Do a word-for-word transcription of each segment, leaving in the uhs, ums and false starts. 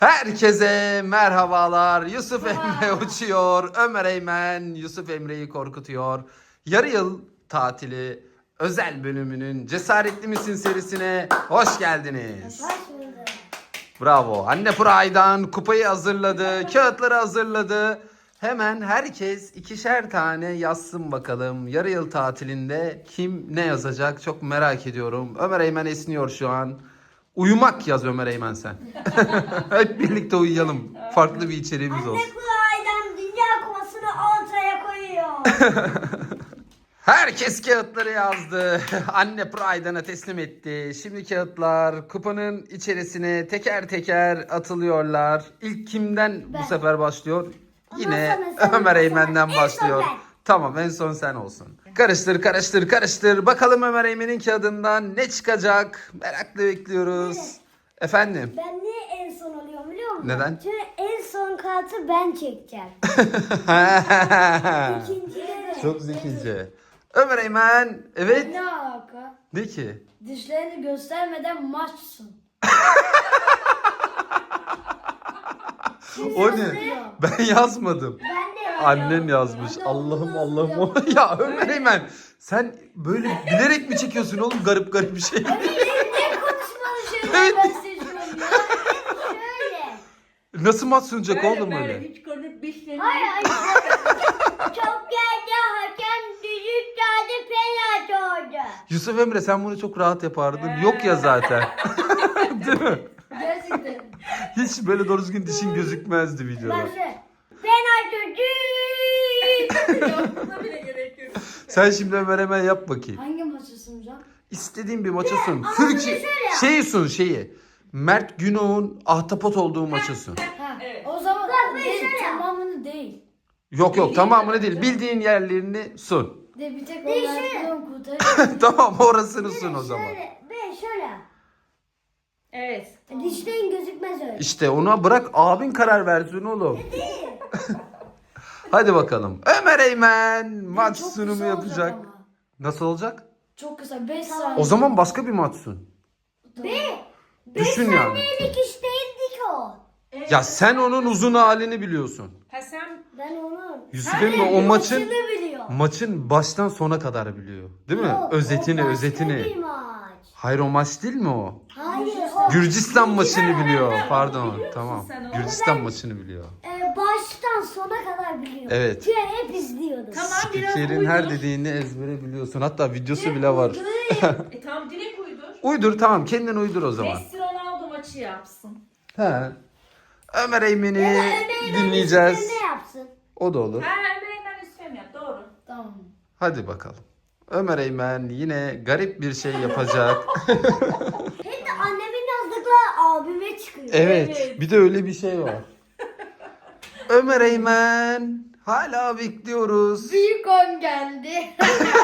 Herkese merhabalar. Yusuf Emre uçuyor. Ömer Eymen Yusuf Emre'yi korkutuyor. Yarı yıl tatili özel bölümünün Cesaretli Misin serisine hoş geldiniz. Hoş bulduk. Bravo. Anne Pıray'dan kupayı hazırladı. Kağıtları hazırladı. Hemen herkes ikişer tane yazsın bakalım. Yarı yıl tatilinde kim ne yazacak çok merak ediyorum. Ömer Eymen esniyor şu an. Uyumak yaz Ömer Eymen sen. Hep birlikte uyuyalım. Farklı bir içeriğimiz olsun. Anne Kuray'dan Dünya Kupası'nı ortaya koyuyor. Herkes kağıtları yazdı. Anne Pride'ına teslim etti. Şimdi kağıtlar kupanın içerisine teker teker atılıyorlar. İlk kimden Ben. bu sefer başlıyor? Yine Ondan sonra sen, Ömer ondan Eymen'den sonra en son başlıyor. ben. Tamam, en son sen olsun. Karıştır karıştır karıştır. Bakalım Ömer Eymen'in kağıdından ne çıkacak? Merakla bekliyoruz. Evet. Efendim? Ben niye en son alıyorum biliyor musun? Neden? Çünkü en son kartı ben çekeceğim. İkincileri. Çok zekice. Ömer Eymen, evet. Ne alaka? Ne ki? Dişlerini göstermeden maçsın. O ne? Ben yazmadım. Ben de Annen yazmış. Allah'ım Allah'ım. Ya Ömer Eymen, sen böyle bilerek mi çekiyorsun oğlum garip garip bir şey? Ne konuşmalı şeyler Evet. ben seçiyorum ya. şöyle. Nasıl maç sunacak oğlum öyle? Hiç konuşup dişlerini... Hayır hayır. Çok geldi hakem düdük geldi penaltı oldu. Yusuf Emre, sen bunu çok rahat yapardın. Yok ya zaten. Değil mi? Gerçekten. Hiç böyle doğru düzgün dişin gözükmezdi videoda. Bak şöyle. Penaltı düdük. Yapmana bile gerek yok. Sen şimdi Ömer Eymen yap bakayım. Hangi maçı sunacağım? İstediğin bir maçı sun. ama Türkiye bunu şöyle yap. şeyi sun şeyi. Mert Günok'un ahtapot olduğu maçı sun. Ha. Evet. O zaman Bak, ben değil, şöyle yap. tamamını değil. Yok yok, tamamını değil. Bildiğin yerlerini sun. De bir tek Değil, olarak şöyle. biliyorum kurtarıyorum. Tamam, orasını sun o zaman. Şöyle. Ben şöyle. Evet. Dişlerin gözükmez öyle. İşte ona bırak, abin karar versin oğlum. Hadi bakalım. Ömer Eymen maç Çok sunumu kısa olacak yapacak. ama. Nasıl olacak? Çok kısa beş saniye. O zaman başka bir maç sun. Tamam. Düşün yani. Saniyelik iş değildi ki o. Evet. Ya sen onun uzun halini biliyorsun. Ha sen... Ben onu. Yusuf Emre o maçın Maçını biliyor. maçın baştan sona kadar biliyor. Değil mi? Yok, özetini o başka özetini. bir maç. Hayır, o maç değil mi o? Hayır o. Gürcistan maçını biliyor. Biliyor Pardon. musun Tamam. sen onu? Gürcistan maçını biliyor. Ee, baştan sona kadar biliyor. Evet. Çünkü hep izliyordum. Tamam biraz Spikerin uydur. her dediğini ezbere biliyorsun. Hatta videosu bile var. E tamam direkt uydur. Uydur, tamam, kendin uydur o zaman. Messi Ronaldo maçı yapsın. He. Ömer Eymen'i Ömer'in dinleyeceğiz. Ne yapsın? O da olur. Ha Emre'den üstüne yap doğru. Tamam. Hadi bakalım. Ömer Eymen yine garip bir şey yapacak. Hep de annemin yazdıkları abime çıkıyor. Evet. Evet. Bir de öyle bir şey var. Ömer Eymen hala bekliyoruz. Büyük on geldi.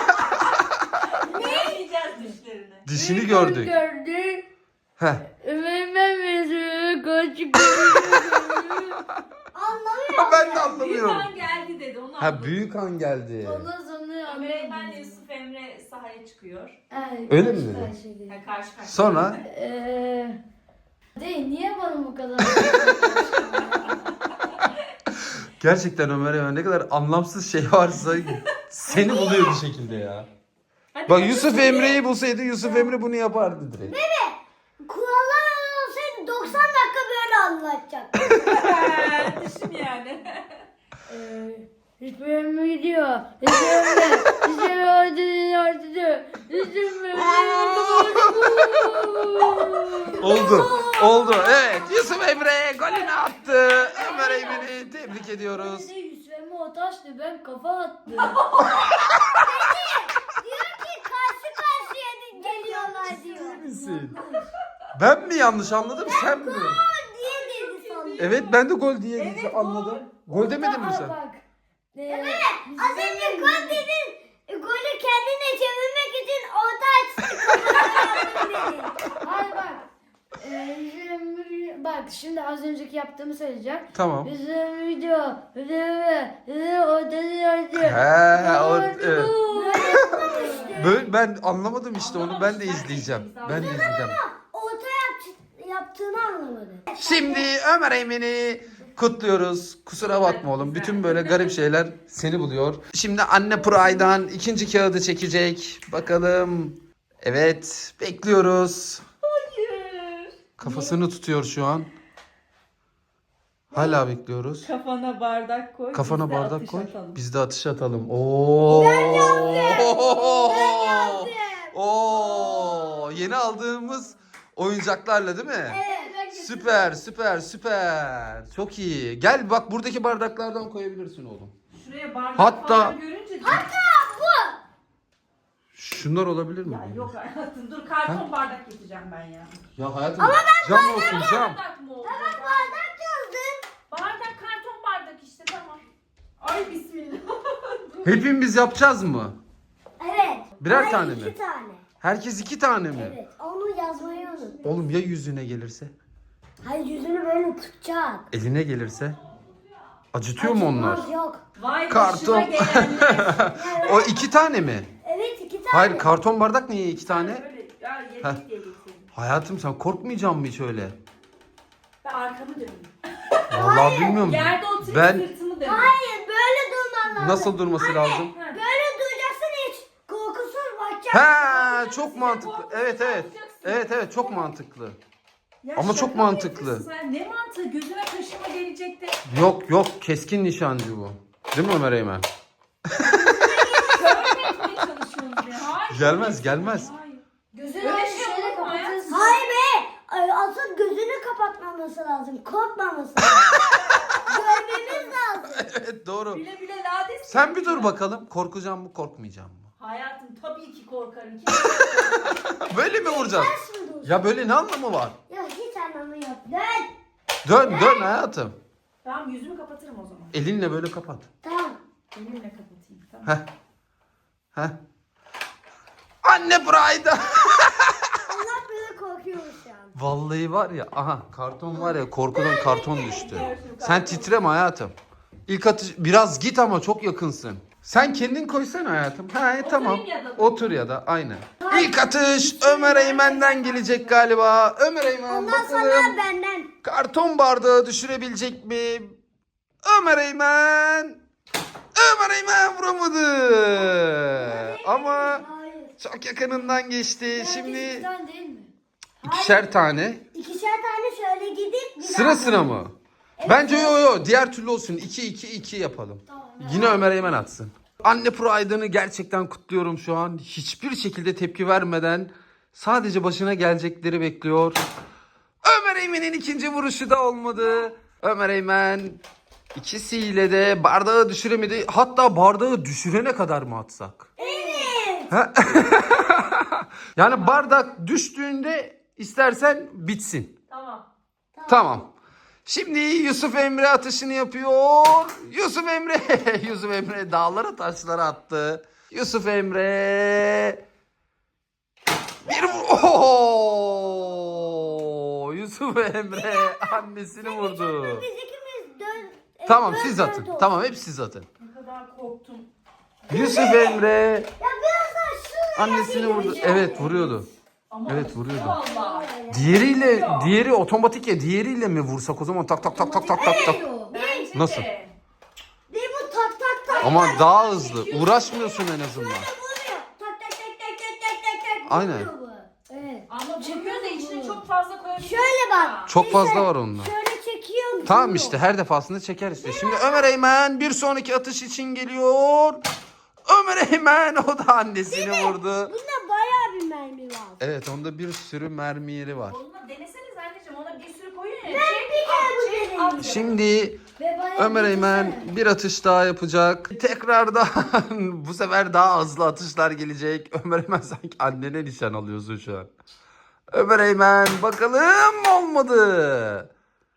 Ne yiyeceğiz dişlerini? Dişini Büyük on gördük. gördü. Heh. Ömer'den mesajı kaç Anlamıyor. Ben de Büyük anlamıyorum. an geldi dedi onu Ha, anladım. büyük an geldi. Ondan sonra Ömer Eymen ile Yusuf Emre sahaya çıkıyor. Evet, Öyle mi karşı dedi? karşıyaydı. Ha karşı karşıya. Sonra Eee değil, niye bana bu kadar? gerçekten Ömer Eymen ne kadar anlamsız şey varsa seni buluyor bir şekilde ya. Hadi Bak, hadi. Yusuf Emre'yi bulsaydı Yusuf Emre bunu yapardı direkt. Kurallar olsaydı doksan dakika böyle anlatacak. Düşün yani. Eee hiçbir yere mi gidiyor? Hiçbir yere mi? Hiçbir yere ortada ortada. Hiçbir yere Oldu. Oldu. Evet. Yusuf Emre golünü attı. Ömer Eymen'i tebrik ediyoruz. Bir de Yusuf'e o taştı, ben kafa attım. Diyor ki karşı karşıya geliyorlar diyor. Misin? Ben mi yanlış anladım, sen mi? Gol diye dedi sandım. Evet, ben de gol diye anladım. Gol demedin mi Aa, sen? bak. Evet. Az önce gol dedin. e, Golü kendine çevirmek için orta açtı. Kafadan dedin. Hayır bak. Ee, bizim- bak şimdi az önceki yaptığımı söyleyeceğim. Tamam. Bizim video. Video. Video. Ortada He, o, ortada. evet. İşte. Böyle, ben anlamadım işte onu, ben de izleyeceğim. Ben de izleyeceğim. Orta yap, yaptı yaptığını anlamadım. Şimdi Ömer Eymen'i kutluyoruz. Kusura bakma oğlum. Bütün böyle garip şeyler seni buluyor. Şimdi anne Pride'dan ikinci kağıdı çekecek. Bakalım. Evet. Bekliyoruz. Hayır. Kafasını tutuyor şu an. Hala bekliyoruz. Kafana bardak koy. Kafana biz de bardak atış koy. atalım. Biz de atış atalım. Oo. Ben yaptım. Oo. Yeni aldığımız oyuncaklarla değil mi? Evet. Süper, süper, süper. Çok iyi. Gel bak buradaki bardaklardan koyabilirsin oğlum. Şuraya bardak Hatta- falan görünce... Şunlar olabilir mi? Ya yok hayatım dur karton bardak getireceğim ben ya. Ya hayatım cam olsun cam. Bardak mı oldu? Bardak yazdım. Bardak karton bardak işte tamam. Ay bismillah. Hepimiz yapacağız mı? Evet. Birer Hayır, tane mi? İki tane. Herkes iki tane mi? Evet. Onu yazmayı unut. Oğlum ya yüzüne gelirse? Hayır yüzünü böyle tutacağız. Eline gelirse? Acıtıyor mu onlar? Acıtmaz, Yok. Vay Karton. başıma gelenler. O iki tane mi? Evet iki tane. Hayır karton bardak niye iki tane? Böyle ya Heh. yedik diye getirdim. Hayatım sen korkmayacak mısın hiç öyle? Ben arkamı döneyim. Vallahi bilmiyorum. Yerde oturup Ben sırtımı döneyim. Hayır böyle durman lazım. nasıl durması lazım? Ha. Böyle duracaksın hiç. Korkusuz bakacaksın. Ha çok mantıklı. Evet evet. Evet evet çok mantıklı. Ya Ama şaka çok mı mantıklı. yapıyorsun sen? Ne mantığı? Gözüne kaşıma gelecek de. Yok yok keskin nişancı bu. Değil mi Ömer Eymen? Görmeye çalışıyoruz ya. Hayır. Gelmez, gelmez. Hayır. Gözünü Öyle öyle şey şöyle olur mu ya? kapatırsın. Hayır be. Ay, Asıl gözünü kapatmaması lazım. Korkmaması lazım. Görmemiz lazım. Evet doğru. Bile bile lades. Sen bir dur bakalım. Korkacağım mı korkmayacağım mı? Hayatım tabii ki korkarım. Böyle mi vuracağız? Ters mi dursun? Ya böyle ne anlamı var? Ya hiç anlamı yok. Dön. Dön dön hayatım. Tamam yüzümü kapatırım o zaman. Elinle böyle kapat. Tamam. Elimle kapatayım. Tamam. Heh. Heh. Anne Pride'a. Allah böyle korkuyoruz şu an. Vallahi var ya aha karton var ya korkudan karton düştü. Sen titreme hayatım. İlk atış biraz git ama çok yakınsın. Sen kendin koysana hayatım. Ha e, tamam. ya da- Otur ya da aynen. İlk atış Ömer Eymen'den gelecek galiba. Ömer Eymen Ondan bakalım. sonra benden. Karton bardağı düşürebilecek mi? Ömer Eymen. Ömer Eymen vuramadı. Ama Hayır. çok yakınından geçti. Şimdi Sen değil mi? ikişer tane. İkişer tane şöyle gidip bir Sıra daha- sıra mı? Bence yo yo diğer türlü olsun. iki iki iki yapalım. Yine Ömer Eymen atsın. Anne Pride'ını gerçekten kutluyorum şu an. Hiçbir şekilde tepki vermeden sadece başına gelecekleri bekliyor. Ömer Eymen'in ikinci vuruşu da olmadı. Ömer Eymen ikisiyle de bardağı düşüremedi. Hatta bardağı düşürene kadar mı atsak? Evet. Ha? Yani bardak düştüğünde istersen bitsin. Tamam. Tamam. Şimdi Yusuf Emre atışını yapıyor. Yusuf Emre. Yusuf Emre dağlara taşlara attı. Yusuf Emre. Bir vur- Oho! Yusuf Emre annesini vurdu. Biz ikimiz dön. e, Tamam dön, siz dön, atın. dön. Tamam hep siz atın. Ne kadar korktum. Yusuf Emre Ya biraz daha şuraya annesini vurdu. Evet vuruyordu. Ama Evet, vuruyordu. Vallahi. Diğeriyle diğeri otomatik ya diğeriyle mi vursak o zaman tak tak tak tak tak tak tak. Bence Nasıl? de. Değil bu tak tak tak. Ama daha hızlı. Uğraşmıyorsun en azından. Böyle vuruyor. Tak tak tak tak tak tak tak tak. Aynen. vuruyor bu. Evet. Ama çıkıyor da içine çok fazla koyabilirsin. Şöyle bak. Çok fazla var onda. Şöyle çekiyor. Tamam vuruyor. işte her defasında çeker işte. Şimdi Ömer Eymen bir sonraki atış için geliyor. Ömer Eymen o da annesini vurdu. Bunda bayağı bir mermi var. Evet onda bir sürü mermi yeri var. Onunla deneseniz anneciğim ona bir sürü koyun ya. Ben Çek, bir kere al, bu çek, denedim. al. Şimdi Ve bayağı Ömer bir Eymen güzel. bir atış daha yapacak. Tekrardan bu sefer daha hızlı atışlar gelecek. Ömer Eymen sanki annene nişan alıyorsun şu an. Ömer Eymen bakalım olmadı.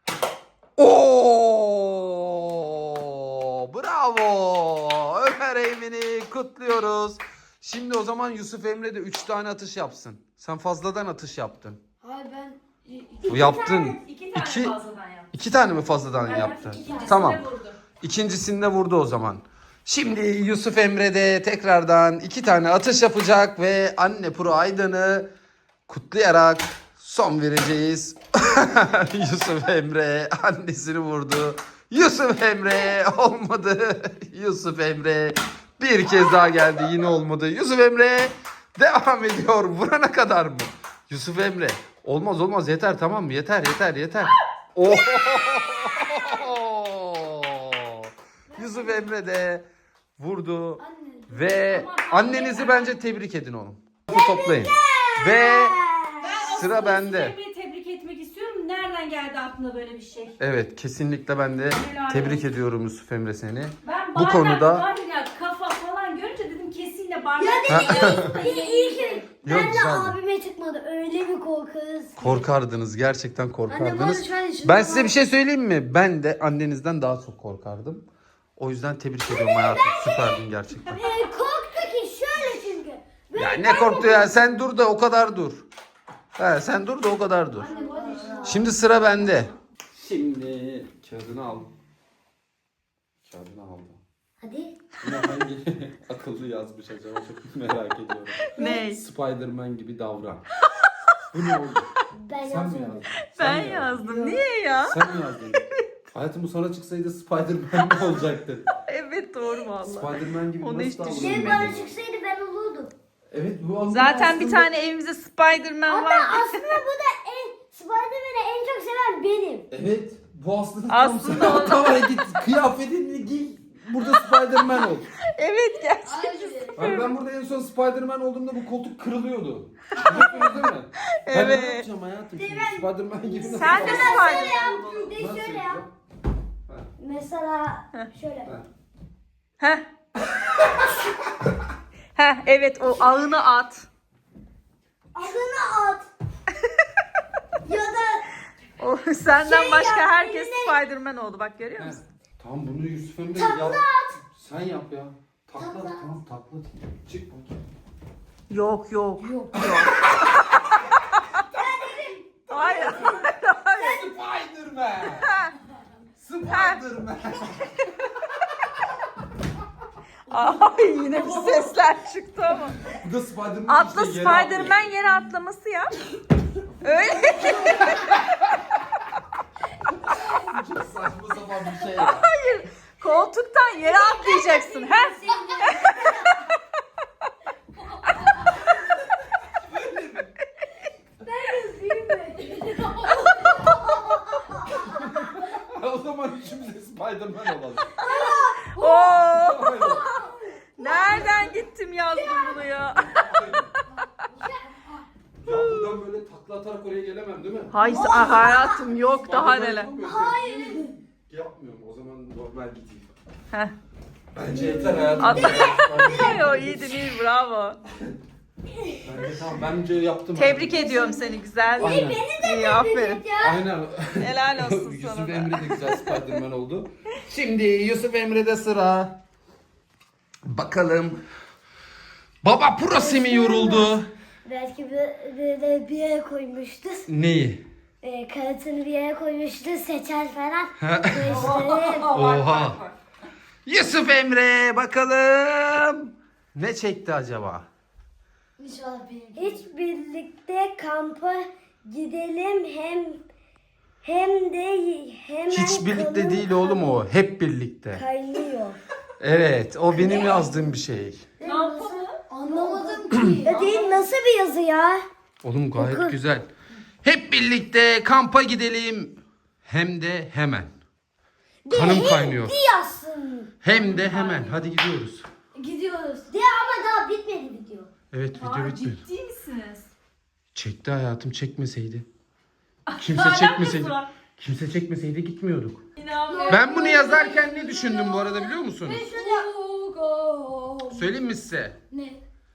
Oo! Bravo! Ömer Eymen'i kutluyoruz. Şimdi o zaman Yusuf Emre de üç tane atış yapsın. Sen fazladan atış yaptın. Hayır ben Bu yaptın. İki tane İki, fazladan yap. iki tane mi fazladan Evet, yaptın? ikincisinde Tamam. vurdu. İkincisinde vurdu o zaman. Şimdi Yusuf Emre de tekrardan iki tane atış yapacak ve anne Pro Aydan'ı kutlayarak son Son vereceğiz. Yusuf Emre annesini vurdu. Yusuf Emre olmadı. Yusuf Emre bir kez daha geldi, yine olmadı. Yusuf Emre devam ediyor. Vurana kadar mı? Yusuf Emre. Olmaz olmaz, yeter, tamam mı? Yeter yeter yeter. Oh! Yusuf Emre de vurdu. Ve annenizi bence tebrik edin oğlum. Toplayın. Ve sıra aslında bende. Emre'yi tebrik etmek istiyorum. Nereden geldi aklına böyle bir şey? Evet, kesinlikle ben de Helal tebrik olsun. ediyorum Yusuf Emre seni. Ben Bu bardak, konuda- bardak, kafa falan görünce dedim kesinlikle bardak. Ya dedi iyi, iyi ki. Ben Yok, de güzeldi. abime çıkmadı. Öyle bir korkarız. Korkardınız, gerçekten Anne bu korkardınız. arada şu an içinde Ben var. size bir şey söyleyeyim mi? Ben de annenizden daha çok korkardım. O yüzden tebrik ediyorum hayatım. Süperdin gerçekten. Ee, korktu ki şöyle çünkü. Böyle Ya ne korktu ya? Sen dur da o kadar dur. He, sen dur da o kadar dur. Şimdi sıra bende. Şimdi kağıdını al. Kağıdını aldım. Hadi. Yine hangi akıllı yazmış acaba, çok merak ediyorum. Ne? Spider-Man gibi davran. Bu ne oldu? Ben Sen mi yazmadım. yazdın? Ben Sen mi yazdın? yazdım. Niye ya? Sen mi yazdın? Hayatım bu sana çıksaydı Spider-Man mi olacaktı? Evet doğru valla. Spider-Man gibi Onu nasıl hiç davranıyorsun? Şey bana çıksaydı ben olurdum. Evet bu aslında Zaten bir aslında- tane evimizde Spider-Man Hatta var. aslında bu da en Spider-Man'i en çok seven benim. Evet bu aslında, Aslında tam o- sen tamam git kıyafetini giy. Burada Spider-Man ol. Evet gerçekten. Hani ben burada en son Spider-Man olduğumda bu koltuk kırılıyordu. Biliyorsunuz değil mi? Ben ne Evet. yapacağım hayatım şimdi? Spider-Man gibi nasıl Sen de davranacağım? Spider- Şöyle yap. Bir de Nasıl şöyle yap. yapacağım? Mesela şöyle. Heh. Heh evet o ağını at. Adını at. Ya da O senden Şey başka yap, herkes eline- Spider-Man oldu bak görüyor He, musun? Tamam bunu Yusuf Emre Takla yap. at. Sen yap ya. Takla Takla at. tamam takla. Çık bakayım. Yok yok. Yok. Hayır. Spider-Man. Spider-Man. Ay yine bir sesler çıktı ama. Bu da Spider-Man. Atla işte, yere atlıyor. Spider-Man yere atlaması yap. Öyle. Çok saçma sapan bir şey ya. Hayır. Koltuktan yere atlayacaksın. Heh. O zaman üçümüz de Spider-Man olalım. Oo. Nereden gittim yazdım bunu ya. Ya buradan böyle takla atarak oraya gelemem değil mi? Hayır ah, hayatım yok daha Spider-Man neler. yapamıyor musun? Hayır. Yapmıyorum, o zaman normal gideyim. Heh. Bence yeter hayatım. Atla. Bence Yo iyiydin iyi bravo. tamam, bence yaptım. Tebrik ediyorum seni güzel. Aynen. İyi aferin. Aynen. Helal olsun Yusuf sana da. Emre de güzel Spider-Man oldu. Şimdi Yusuf Emre'de sıra. Bakalım. Baba Prosi mi yoruldu? Belki bir, bir, de bir yere koymuştu. Neyi? E, kağıtını bir yere koymuştu. Seçer falan. Ha. İşte, Oha. Yusuf Emre bakalım. Ne çekti acaba? hiç birlikte kampa gidelim hem hem de hemen Hiç birlikte kanım değil oğlum o. Hep birlikte. kaynıyor. Evet, o benim yazdığım bir şey. Ne yapalım? Anlamadım ki. Ya değil, nasıl bir yazı ya? Oğlum gayet Oku. güzel. Hep birlikte kampa gidelim. Hem de hemen. Kanım kaynıyor. Bir yazsın. Hem de hemen. Hadi gidiyoruz. Gidiyoruz. Diye ama daha bitmedi video. Evet, video Aa, bitmiyor. ciddi misiniz? Çekti hayatım, çekmeseydi. Kimse Alakası çekmeseydi. var. Kimse çekmeseydi gitmiyorduk. İnanmıyorum. Ben bunu yazarken ne düşündüm bu arada biliyor musunuz? Söyleyeyim mi size? Ne?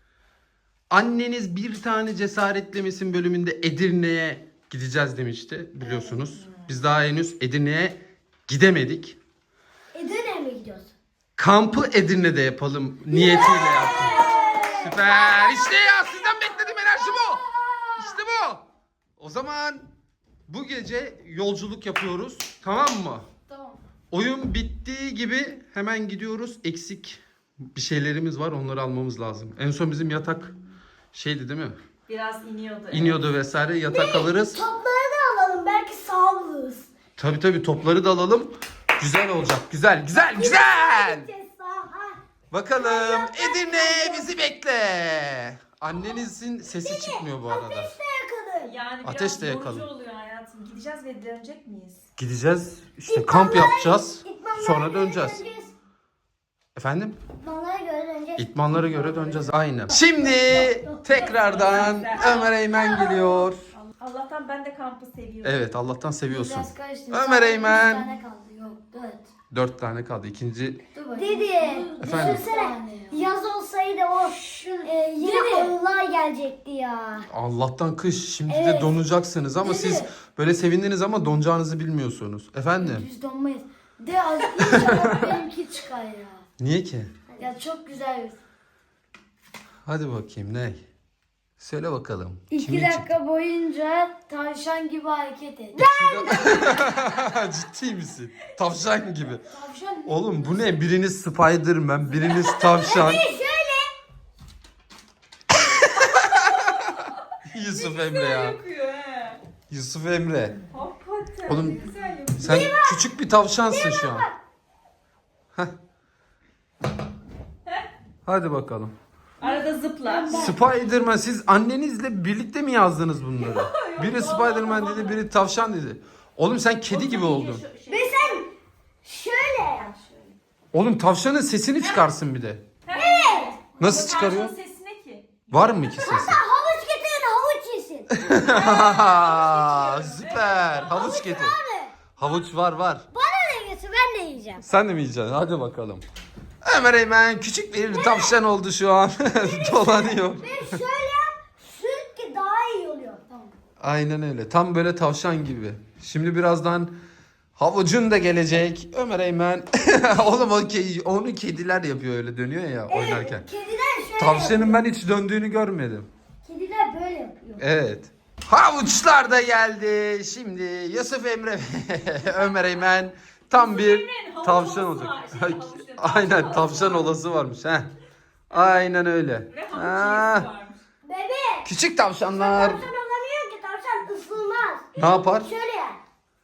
Anneniz bir tane cesaretlemesin bölümünde Edirne'ye gideceğiz demişti biliyorsunuz. Biz daha henüz Edirne'ye gidemedik. Edirne'ye mi gidiyorsun? Kampı Edirne'de yapalım niyetiyle yaptım. Süper. İşte ya, sizden beklediğim enerji bu. İşte bu. O zaman bu gece yolculuk yapıyoruz. Tamam mı? Tamam. Oyun bittiği gibi hemen gidiyoruz. Eksik bir şeylerimiz var, onları almamız lazım. En son bizim yatak şeydi değil mi? Biraz iniyordu. evet. İniyordu vesaire, yatak alırız. Topları da alalım. Belki sağ oluruz. Tabii tabii, topları da alalım. Güzel olacak. Güzel güzel güzel. Gideceğiz sağa. Bakalım Edirne bizi bekle. Annenizin sesi çıkmıyor bu arada. Ateş de yakaladı. Yani biraz Ateş de yorucu yakalım. oluyor hayatım. Gideceğiz ve dönecek miyiz? Gideceğiz işte, kamp yapacağız. İtmanlara Sonra göre döneceğiz. Efendim? İtmanlara göre döneceğiz. İtmanlara göre döneceğiz. Aynen. Şimdi tekrardan Ömer Eymen geliyor. Allah'tan ben de kampı seviyorum. Evet, Allah'tan seviyorsun. Biraz karıştı. Ömer Sadece Eymen. üç tane kaldı. Yok dört. Dört tane kaldı. İkinci Dur bakayım. Dedi. Efendim? Düşünsene. Yaz olsaydı o e, yine Dedi. Allah gelecekti ya. Allah'tan kış. Şimdi de Evet. donacaksınız ama Dedi. siz böyle sevindiniz ama donacağınızı bilmiyorsunuz. Efendim? Biz donmayız. De az inşallah benimki çıkar ya. Niye ki? Ya çok güzel. Hadi bakayım ne? Söyle bakalım. İki Kimin dakika boyunca tavşan gibi hareket et. çıktı? Ciddi misin? Tavşan gibi. Tavşan Oğlum bu ne? Biriniz Spiderman, biriniz tavşan. Şöyle. Yusuf Emre ya. Yapıyor he. Yusuf Emre. Hakikaten Oğlum, ne güzel yapıyor. Sen küçük bir tavşansın şu an. Heh. Hadi bakalım. Arada zıpla. Spiderman, siz annenizle birlikte mi yazdınız bunları? Biri Spiderman dedi, biri tavşan dedi. Oğlum sen kedi gibi oldun. Ve sen şöyle. Oğlum tavşanın sesini çıkarsın bir de. Evet. Nasıl çıkarıyor? Tavşanın sesi ne ki? Var mı ki sesi? Havuç getirin havuç yesin. Süper. Havuç getir. Havuç var var. Bana da getir ben de yiyeceğim. Sen de mi yiyeceksin? Hadi bakalım. Ömer Eymen küçük bir tavşan oldu şu an. Dolanıyor. Ve şöyle yap. Sür ki daha iyi oluyor. Tamam. Aynen öyle. Tam böyle tavşan gibi. Şimdi birazdan havucun da gelecek. Ömer Eymen. Oğlum o ke- onu kediler yapıyor, öyle dönüyor ya oynarken. Kediler şöyle Tavşanın ben hiç döndüğünü görmedim. Kediler böyle yapıyor. Evet. Havuçlar da geldi. Şimdi Yusuf Emre ve Ömer Eymen tam bir Emre'nin havuç tavşan olası olacak. var. Şey, havuçlu, Aynen, tavşan tavşan olası varmış. Heh. Aynen öyle. Ve havuç Ha, yiyesi varmış. Bebe. küçük tavşanlar. Tavşan olamıyor ki tavşan ısılmaz. Ne yapar? Şöyle yap.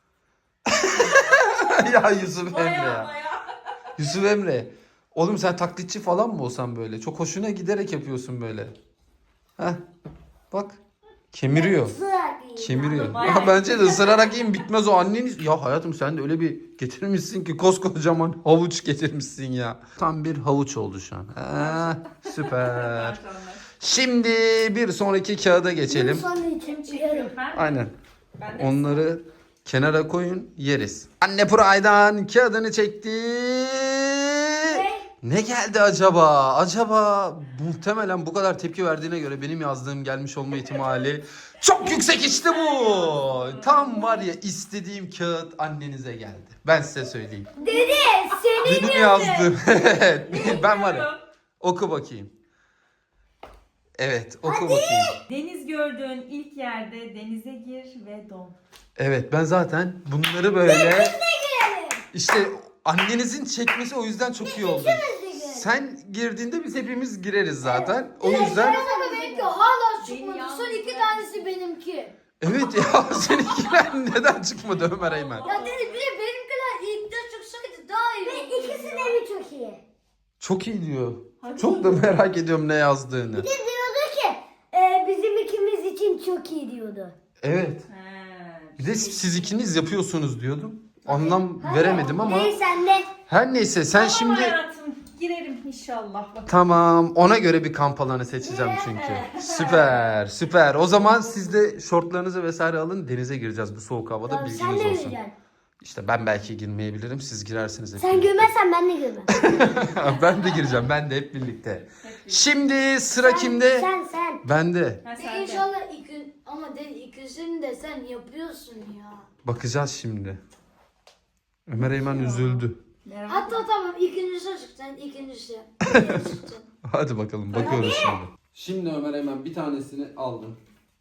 Ya Yusuf Emre Baya ya. baya. Yusuf Emre. Oğlum sen taklitçi falan mı olsan böyle? Çok hoşuna giderek yapıyorsun böyle. Heh. Bak. Kemiriyor. Isırarak yiyeceğim. Kemiriyor. Bayağı Ya bence de ısırarak yiyin, bitmez o anneniz. Ya hayatım sen de öyle bir getirmişsin ki, koskocaman havuç getirmişsin ya. Tam bir havuç oldu şu an. Ha, süper. Şimdi bir sonraki kağıda geçelim. Sonra için Çekiyorum ben. Aynen. Ben de Onları kenara koyun, yeriz. Anne Puray'dan kağıdını çekti. Ne geldi acaba? Acaba muhtemelen bu kadar tepki verdiğine göre benim yazdığım gelmiş olma ihtimali çok yüksek, işte bu. Tam var ya, istediğim kağıt annenize geldi. Ben size söyleyeyim. Dede senin Benim yazdığım. Evet. Ben var ya. Oku bakayım. Evet, oku bakayım. Deniz gördüğün ilk yerde denize gir ve don. Evet, ben zaten bunları böyle işte annenizin çekmesi o yüzden çok iyi oldu. Sen girdiğinde biz hepimiz gireriz zaten. O yüzden Ama benimki hala Beni çıkmadı. yalnız Son iki bırakma. tanesi benimki. evet ya, seninkiler neden çıkmadı Ömer Eymen? Ya dedi bir de benimkiler ilk de çıksaydı daha iyi Ve olurdu ikisi ya. de mi çok iyi? Çok iyi diyor. Hadi. Çok da merak ediyorum ne yazdığını. Bir de diyordu ki e, bizim ikimiz için çok iyi diyordu. Evet. He. Bir de siz ikiniz yapıyorsunuz diyordum. Anlam veremedim ama. Neyse sen de. Her neyse, sen Tamam şimdi hayatım, girerim inşallah. Bakalım. tamam, ona göre bir kamp alanı seçeceğim çünkü. Süper süper. O zaman siz de şortlarınızı vesaire alın, denize gireceğiz bu soğuk havada, Tamam, sen bilginiz de olsun. gireceksin. İşte ben belki girmeyebilirim, siz girersiniz hep Sen birlikte. girmezsen ben de girmem. Ben de gireceğim, ben de hep birlikte. Şimdi sıra kimde? Sen sen. Bende. Ha, De sen de. İnşallah iki, ama de ikisini de sen yapıyorsun ya. Bakacağız şimdi. Ömer Eymen üzüldü. Merak Hatta tamam ikincisi çık sen ikincisi. İkincisi çık. Hadi bakalım, bakıyoruz şimdi. Şimdi Ömer Eymen bir tanesini aldım.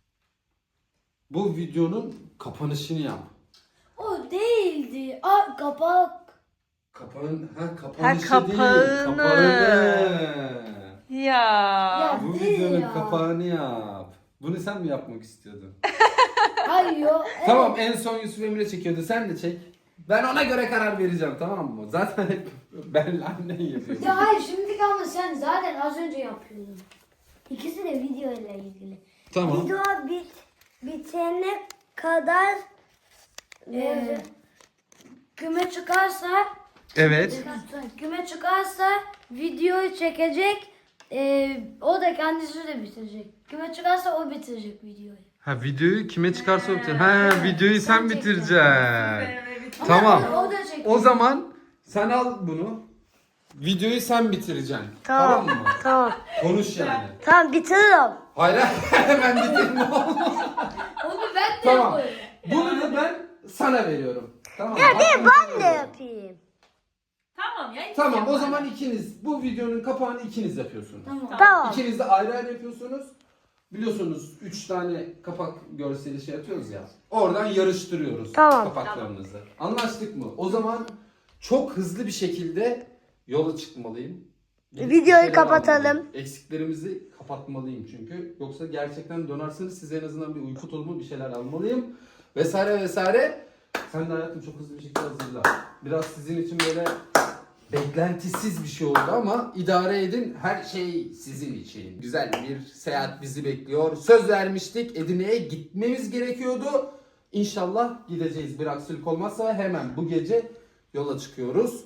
Bu videonun kapanışını yap. O değildi. Aa kapak. Kapağın, ha kapanışı Ha, değil. kapağını. Kapağını. Ya. Ya Bu değil videonun ya. kapağını yap. Bunu sen mi yapmak istiyordun? Hayır yo. Tamam, en son Yusuf Emre çekiyordu. Sen de çek. Ben ona göre karar vereceğim, tamam mı? Zaten hep ben annen yapıyor. Ya hayır şimdi ama sen zaten az önce yapıyordun. İkisi de video ile ilgili. Tamam. Video bit, bitene kadar Ee, küme çıkarsa Evet. küme çıkarsa videoyu çekecek. Ee, o da kendisi de bitirecek. Küme çıkarsa o bitirecek videoyu. Ha, videoyu kime çıkarsa o Ha, videoyu sen Sen bitireceksin. Evet. Tamam. Ama o da çekiyor. O zaman sen al bunu. Videoyu sen bitireceksin. Tamam. Tamam mı? Tamam. Konuş yani. Tamam bitiririm. Hayır, hemen bitirme. Onu ben de Tamam. yaparım. Bunu da ben sana veriyorum. Tamam. Ya Hakkını değil sana ben de veriyorum. yapayım. Tamam ya. Tamam, o zaman ikiniz bu videonun kapağını ikiniz yapıyorsunuz. Tamam. Tamam. İkiniz de ayrı ayrı yapıyorsunuz. Biliyorsunuz üç tane kapak görseli şey yapıyoruz ya. Oradan yarıştırıyoruz Tamam. kapaklarınızı. Anlaştık mı? O zaman çok hızlı bir şekilde yola çıkmalıyım. Gidip Videoyu bir şeyler kapatalım. almalıyım. Eksiklerimizi kapatmalıyım çünkü. Yoksa gerçekten dönerseniz size en azından bir uyku tulumu bir şeyler almalıyım. Vesaire vesaire. Sen de hayatım çok hızlı bir şekilde hazırla. Biraz sizin için böyle beklentisiz bir şey oldu ama idare edin. Her şey sizin için. Güzel bir seyahat bizi bekliyor. Söz vermiştik. Edirne'ye gitmemiz gerekiyordu. İnşallah gideceğiz. Bir aksilik olmazsa hemen bu gece yola çıkıyoruz.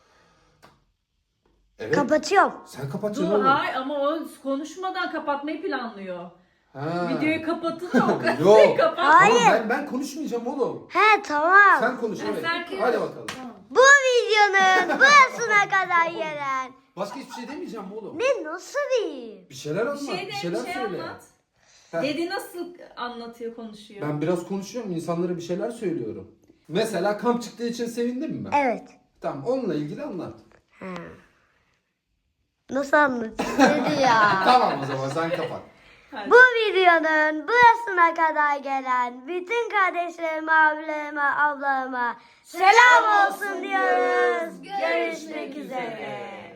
Evet. Kapatıyorum. Sen kapatın Dur oğlum. hay ama o konuşmadan kapatmayı planlıyor. Ha. Videoyu kapatınca o Yok. kadar kapat. Hayır. Tamam, ben, ben konuşmayacağım oğlum. He tamam. Sen konuş, evet. sen- Hadi bakalım. Bu videonun burasına kadar gelen. Başka hiçbir şey demeyeceğim oğlum. Ne nasıl bir? Bir şeyler anlat. Bir şey de bir bir şeyler şey söyle. anlat. Heh. Dedi nasıl anlatıyor, konuşuyor. Ben biraz konuşuyorum, insanlara bir şeyler söylüyorum. Mesela kamp çıktığı için sevindin mi? Evet. Tamam, onunla ilgili anlat. Ha. Nasıl anlatayım dedi ya. Tamam, o zaman sen kapat. Hadi. Bu videonun burasına kadar gelen bütün kardeşlerime, abilerime, ablalarıma selam olsun diyoruz. Görüşmek üzere.